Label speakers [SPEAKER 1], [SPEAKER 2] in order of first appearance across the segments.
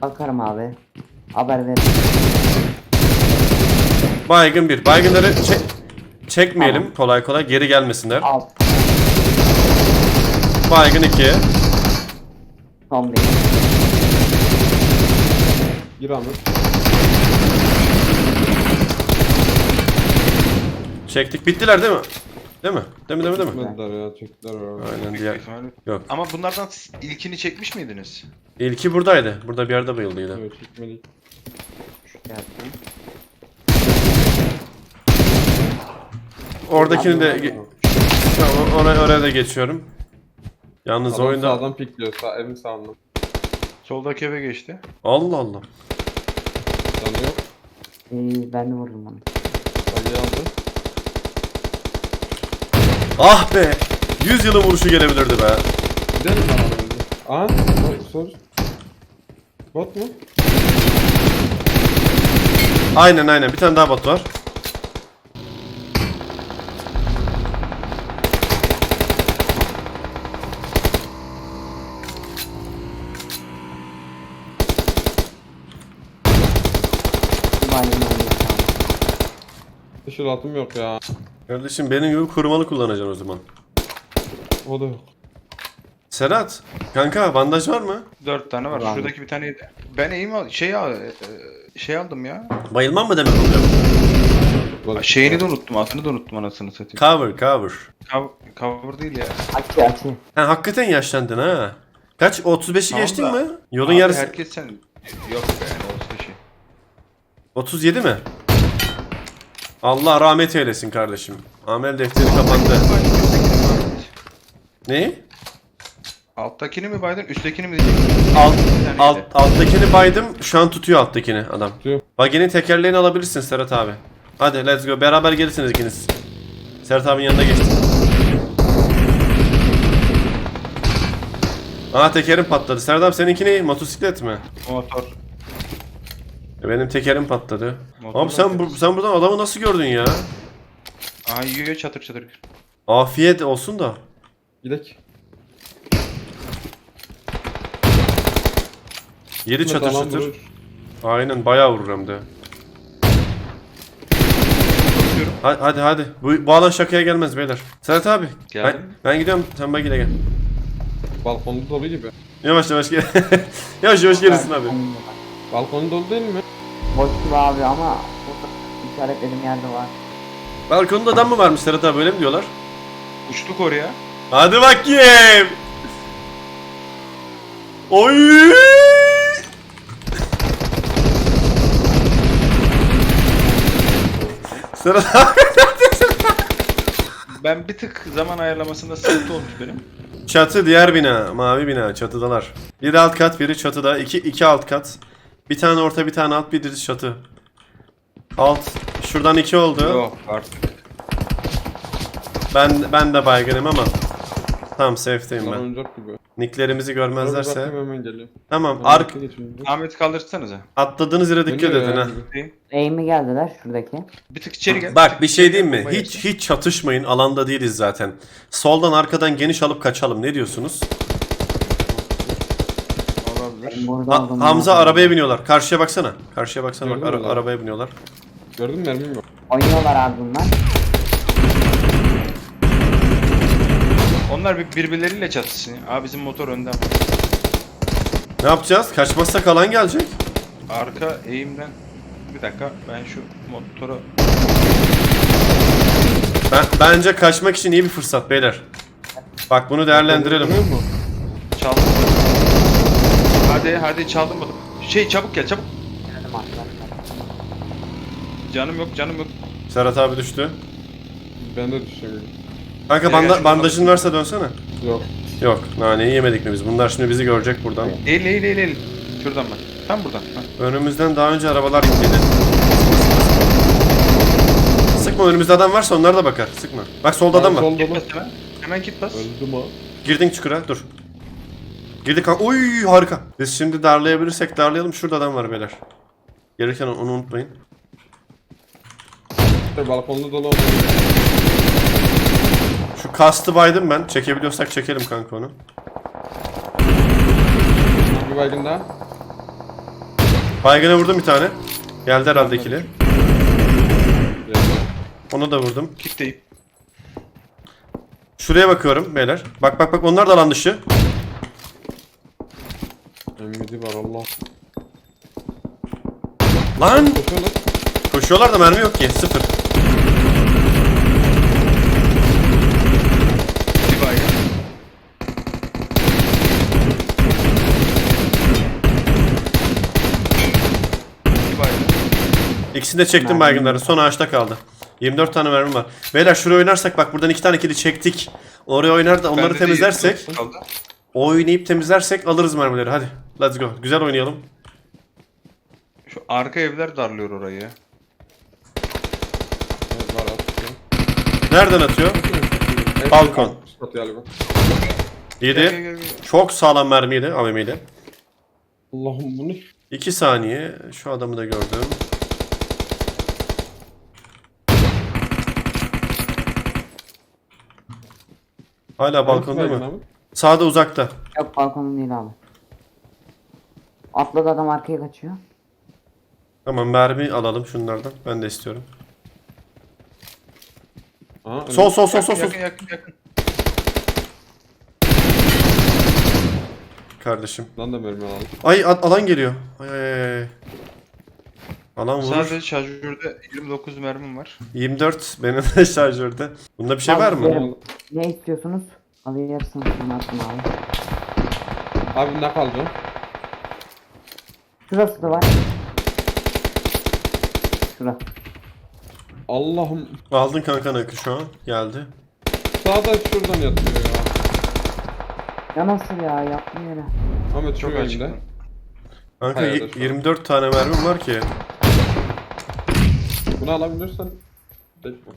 [SPEAKER 1] Bakarım abi. Haber ver.
[SPEAKER 2] Baygın bir. Baygınları çekmeyelim kolay kolay, geri gelmesinler.
[SPEAKER 1] Alt.
[SPEAKER 2] Baygın 2.
[SPEAKER 1] Son bir.
[SPEAKER 3] Gir Ahmet.
[SPEAKER 2] Çektik. Bittiler değil mi? Değil mi? Değil mi?
[SPEAKER 3] Çekmediler ya, çektiler orada.
[SPEAKER 2] Aynen diğer. Yok.
[SPEAKER 4] Ama bunlardan ilkini çekmiş miydiniz?
[SPEAKER 2] İlki buradaydı. Burada bir yerde bayıldıydı.
[SPEAKER 3] Evet, çekmedik.
[SPEAKER 1] Gelsin.
[SPEAKER 2] Oradakini de tamam, oraya da geçiyorum. Yalnız
[SPEAKER 3] Adam
[SPEAKER 2] oyunda
[SPEAKER 3] sağdan pikliyor, evin sağından.
[SPEAKER 4] Soldaki eve geçti.
[SPEAKER 2] Allah Allah.
[SPEAKER 3] Canı yok.
[SPEAKER 1] Ben de vurdum onu.
[SPEAKER 3] Sayıyı aldı.
[SPEAKER 2] Ah be. 100 yılın vuruşu gelebilirdi be.
[SPEAKER 3] Gidelim lan önce. Aha, sor. Bot mu?
[SPEAKER 2] Aynen bir tane daha bot var.
[SPEAKER 3] Dışarı atım yok ya.
[SPEAKER 2] Kardeşim benim gibi kurumalı kullanacaksın o zaman.
[SPEAKER 3] O da yok.
[SPEAKER 2] Serhat, kanka bandaj var mı?
[SPEAKER 4] 4 tane var.
[SPEAKER 1] Var.
[SPEAKER 4] Şuradaki bir tane yedi. Ben şey aldım ya.
[SPEAKER 2] Bayılmam mı demek oluyor?
[SPEAKER 4] Şeyini de unuttum. Adını da unuttum anasını satayım.
[SPEAKER 2] Cover.
[SPEAKER 4] Cover değil ya.
[SPEAKER 1] Açı.
[SPEAKER 2] Ha, hakikaten yaşlandın ha. Kaç? 35'i
[SPEAKER 4] Tamam
[SPEAKER 2] geçtin
[SPEAKER 4] da-
[SPEAKER 2] mi? Yolun
[SPEAKER 4] Abi
[SPEAKER 2] yarısı.
[SPEAKER 4] herkes sen... Yok be yani olsun şey.
[SPEAKER 2] 37 mi? Allah rahmet eylesin kardeşim. Amel defteri kapandı. Ne?
[SPEAKER 4] Alttakini mi baydın, üsttekini mi diyeceksin?
[SPEAKER 2] Alttakini baydım. Şu an tutuyor alttakini adam.
[SPEAKER 3] Tutuyor.
[SPEAKER 2] Bagenin tekerleğini alabilirsin Serhat abi. Hadi let's go. Beraber gelirsiniz ikiniz. Serhat abinin yanına geçtim. Aa, tekerim patladı. Serhat abi seninki ne? Motosiklet mi?
[SPEAKER 4] Motor.
[SPEAKER 2] Benim tekerim patladı.
[SPEAKER 4] Motor
[SPEAKER 2] Abi sen buradan adamı nasıl gördün ya?
[SPEAKER 4] Aha yiyor çatır çatır.
[SPEAKER 2] Afiyet olsun da.
[SPEAKER 3] Gidek.
[SPEAKER 2] Yeri çatır
[SPEAKER 3] Tamam,
[SPEAKER 2] çatır.
[SPEAKER 3] vurur.
[SPEAKER 2] Aynen bayağı vurur hem de. Hadi. Bu alan şakaya gelmez beyler. Serhat abi.
[SPEAKER 4] Geldim.
[SPEAKER 2] Ben gidiyorum. Sen bagiyle gel.
[SPEAKER 3] Balkonu dolu gibi.
[SPEAKER 2] Yavaş gel. yavaş gelirsin abi.
[SPEAKER 3] Balkonu dolu değil mi?
[SPEAKER 1] Boş gibi abi ama burada işaretlediğim yerde var.
[SPEAKER 2] Balkonda adam mı varmış Serhat abi, öyle mi diyorlar?
[SPEAKER 4] Uçtuk oraya.
[SPEAKER 2] Hadi bakayım. Oy! Serhat abi.
[SPEAKER 4] Ben bir tık zaman ayarlamasında sıkıntı olmuş benim.
[SPEAKER 2] Çatı diğer bina. Mavi bina. Çatıdalar. Biri alt kat, biri çatıda. İki alt kat. Bir tane orta, bir tane alt, bir çatı. Alt. Şuradan 2 oldu.
[SPEAKER 4] Yok artık.
[SPEAKER 2] Ben de baygınım ama. Tamam, safe'teyim ben.
[SPEAKER 3] Oyuncak gibi.
[SPEAKER 2] Nicklerimizi görmezlerse.
[SPEAKER 3] Bakayım, hemen geliyor.
[SPEAKER 2] Tamam.
[SPEAKER 4] Ahmet kaldırsanıza.
[SPEAKER 2] Atladığınız yere dikkat
[SPEAKER 3] Dönüyor
[SPEAKER 2] edin ha.
[SPEAKER 3] yani.
[SPEAKER 1] Eğimi geldiler şuradaki.
[SPEAKER 4] Bir tık içeri gel.
[SPEAKER 2] Bak bir şey diyeyim mi?
[SPEAKER 4] Bomba
[SPEAKER 2] Hiç çatışmayın. Alanda değiliz zaten. Soldan arkadan geniş alıp kaçalım. Ne diyorsunuz?
[SPEAKER 4] Olabilir.
[SPEAKER 1] Burada oldum.
[SPEAKER 2] Hamza arabaya biniyorlar. Karşıya baksana. Bak
[SPEAKER 3] Gördün mü lan?
[SPEAKER 2] arabaya biniyorlar.
[SPEAKER 3] Gördün mü, mermim yok.
[SPEAKER 1] Oynuyorlar abi bunlar.
[SPEAKER 4] Onlar birbirleriyle çatışsın. Abi bizim motor önden.
[SPEAKER 2] Ne yapacağız? Kaçmazsak alan gelecek.
[SPEAKER 4] Arka eğimden. Bir dakika ben şu motoru...
[SPEAKER 2] Bence kaçmak için iyi bir fırsat beyler. Bak bunu değerlendirelim.
[SPEAKER 3] Görüyor musun?
[SPEAKER 4] Çaldım. Hadi çaldım bunu. Çabuk gel çabuk.
[SPEAKER 1] Geldim arkadaşlar.
[SPEAKER 4] Canım yok.
[SPEAKER 2] Serhat abi düştü.
[SPEAKER 3] Ben de düşeceğim.
[SPEAKER 2] Kanka bandajın varsa dönsene.
[SPEAKER 3] Yok.
[SPEAKER 2] Yok, naneyi yemedik mi biz? Bunlar şimdi bizi görecek buradan.
[SPEAKER 4] Eğil. Şuradan bak. Tam buradan. Ha.
[SPEAKER 2] Önümüzden daha önce arabalar gittiydi. Sıkma, önümüzde adam varsa onlar da bakar. Sıkma. Bak solda adam var.
[SPEAKER 3] Sol
[SPEAKER 4] Git
[SPEAKER 3] dolu.
[SPEAKER 4] bas hemen. Hemen git bas.
[SPEAKER 3] Öldüm ha.
[SPEAKER 2] Girdin çukura, dur. Girdik kanka. Oy harika. Biz şimdi darlayabilirsek darlayalım. Şurada adam var beyler. Gelirken onu unutmayın.
[SPEAKER 3] Balkonda dolu oldu.
[SPEAKER 2] Şu kastı baydım ben. Çekebiliyorsak çekelim kanka onu.
[SPEAKER 3] Bir baygın daha.
[SPEAKER 2] Baygına vurdum bir tane. Geldi herhalde ikili.
[SPEAKER 3] Geldi.
[SPEAKER 2] Onu da vurdum.
[SPEAKER 4] Kitleyip.
[SPEAKER 2] Şuraya bakıyorum beyler. Bak bak bak, onlar da alan dışı.
[SPEAKER 3] Emmidi var Allah.
[SPEAKER 2] Lan!
[SPEAKER 3] Koşuyorlar.
[SPEAKER 2] Koşuyorlar da mermi yok ki. Sıfır.
[SPEAKER 4] Bir baygın. Bir baygın.
[SPEAKER 2] İkisini de çektim
[SPEAKER 1] Mermi
[SPEAKER 2] baygınları.
[SPEAKER 1] yok.
[SPEAKER 2] Son ağaçta kaldı. 24 tane mermim var. Beyler şuraya oynarsak bak, buradan 2 tane kili çektik. Oraya oynar da onları
[SPEAKER 4] Bende de
[SPEAKER 2] temizlersek,
[SPEAKER 4] 29 kaldı.
[SPEAKER 2] oynayıp temizlersek alırız mermileri. Hadi. Let's go. Güzel oynayalım.
[SPEAKER 4] Şu arka evler darlıyor orayı.
[SPEAKER 3] Evet, var atıyor.
[SPEAKER 2] Nereden atıyor?
[SPEAKER 3] Evet,
[SPEAKER 2] Balkon.
[SPEAKER 3] Atıyor galiba.
[SPEAKER 2] Yedi.
[SPEAKER 4] Gel, gel, gel, gel.
[SPEAKER 2] Çok sağlam mermiydi. AVM'ydi.
[SPEAKER 3] Allah'ım bu ne?
[SPEAKER 2] 2 saniye. Şu adamı da gördüm. Hala balkon değil mi?
[SPEAKER 3] Abi.
[SPEAKER 2] Sağda, uzakta.
[SPEAKER 1] Yok, balkonun değil abi. Atladı adam, arkaya kaçıyor.
[SPEAKER 2] Tamam, mermi alalım şunlardan. Ben de istiyorum.
[SPEAKER 3] Aa,
[SPEAKER 2] Sol sol sol sol sol.
[SPEAKER 4] Yakın yakın yakın.
[SPEAKER 2] Kardeşim.
[SPEAKER 3] Lan da mermi alalım.
[SPEAKER 2] Ay alan geliyor. Ay, ay, ay. Alan vurur.
[SPEAKER 4] Sadece şarjörde 29 mermim var.
[SPEAKER 2] 24 benim de şarjörde. Bunda bir şey var mı?
[SPEAKER 1] Verim. Ne istiyorsunuz? Alırsınız, sana attım abi.
[SPEAKER 3] Abi ne kaldı?
[SPEAKER 1] Şurası da var. Şura.
[SPEAKER 3] Allah'ım.
[SPEAKER 2] Aldın kanka nakı şu an. Geldi.
[SPEAKER 3] Sağda şuradan yatıyor ya.
[SPEAKER 1] Ya nasıl ya, yaptım yere.
[SPEAKER 3] Ahmet
[SPEAKER 4] Çok
[SPEAKER 3] çok
[SPEAKER 4] açık.
[SPEAKER 3] önde.
[SPEAKER 2] Kanka
[SPEAKER 3] Hayır, şu an.
[SPEAKER 2] 24 tane mermim var ki.
[SPEAKER 3] Bunu alabilirsen. Tek bu.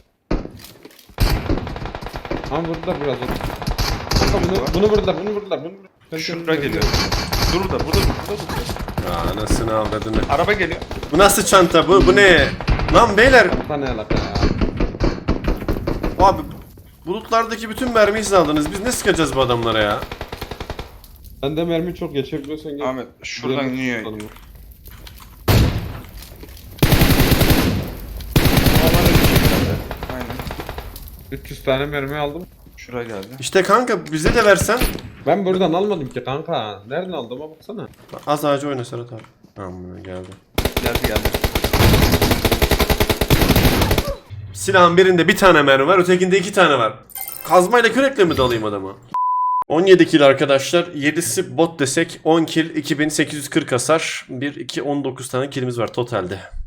[SPEAKER 3] Ama vurdular biraz. Kanka bunu vurdular, bunu vurdular, bunu vurdular.
[SPEAKER 4] Şuraya geliyor. Dur burada, burada dur.
[SPEAKER 2] Ya anasını avradını.
[SPEAKER 4] Araba geliyor.
[SPEAKER 2] Bu nasıl çanta? Bu ne? Lan beyler.
[SPEAKER 3] Kanka ne alaka ya?
[SPEAKER 2] Abi bulutlardaki bütün mermiyi siz aldınız. Biz ne sıkacağız bu adamlara ya?
[SPEAKER 3] Sen de mermi çok geçebiliyorsan gel.
[SPEAKER 4] Ahmet şuradan
[SPEAKER 3] Diğerini
[SPEAKER 4] iniyor.
[SPEAKER 3] tutalım.
[SPEAKER 4] Aynen.
[SPEAKER 3] 300 tane mermi aldım.
[SPEAKER 4] Şuraya geldi.
[SPEAKER 2] İşte kanka bize de versen.
[SPEAKER 3] Ben buradan almadım ki kanka. Nereden aldığıma baksana.
[SPEAKER 2] Az ağacı oyna Serhat abi. Tamam, geldi.
[SPEAKER 4] Geldi.
[SPEAKER 2] Silahın birinde bir tane mermi var, ötekinde 2 tane var. Kazmayla kürekle mi dalayım adamı? 17 kill arkadaşlar. 7'si bot desek 10 kill, 2840 hasar. 1, 2, 19 tane killimiz var totalde.